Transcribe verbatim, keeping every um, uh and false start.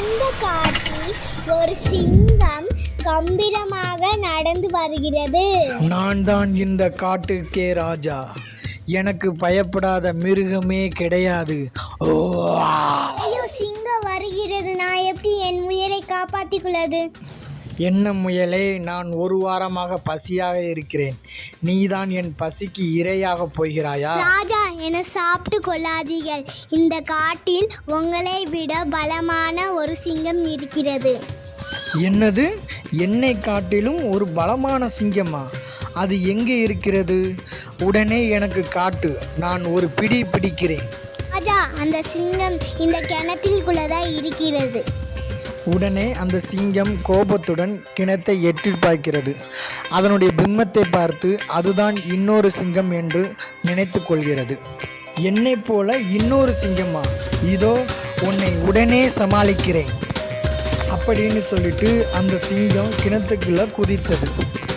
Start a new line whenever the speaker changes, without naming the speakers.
அந்த காட்டில் ஒரு சிங்கம் கம்பீரமாக நடந்து வருகிறது.
நான் தான் இந்த காட்டுக்கே ராஜா. எனக்கு பயப்படாத மிருகமே கிடையாது. ஓ
ஐயோ, சிங்கம் வருகிறது, நான் எப்படி என் உயிரை காப்பாற்றிக் கொள்வது?
என்ன முயலே, நான் ஒரு வாரமாக பசியாக இருக்கிறேன். நீதான் என் பசிக்கு இரையாக போகிறாயா?
ராஜா, என சாப்பிட்டு கொள்ளாதீர்கள். இந்த காட்டில் உங்களை விட பலமான ஒரு சிங்கம் இருக்கிறது.
என்னது? என்னை காட்டிலும் ஒரு பலமான சிங்கமா? அது எங்கே இருக்கிறது? உடனே எனக்கு காட்டு, நான் ஒரு பிடி பிடிக்கிறேன்.
ராஜா, அந்த சிங்கம் இந்த கிணத்திற்குள்ளதான் இருக்கிறது.
உடனே அந்த சிங்கம் கோபத்துடன் கிணத்தை எட்டி பார்க்கிறது. அதனுடைய பிம்பத்தை பார்த்து அதுதான் இன்னொரு சிங்கம் என்று நினைத்து கொள்கிறது. என்னை போல இன்னொரு சிங்கமா? இதோ உன்னை உடனே சமாளிக்கிறேன் அப்படின்னு சொல்லிட்டு அந்த சிங்கம் கிணத்துக்குள்ள குதித்தது.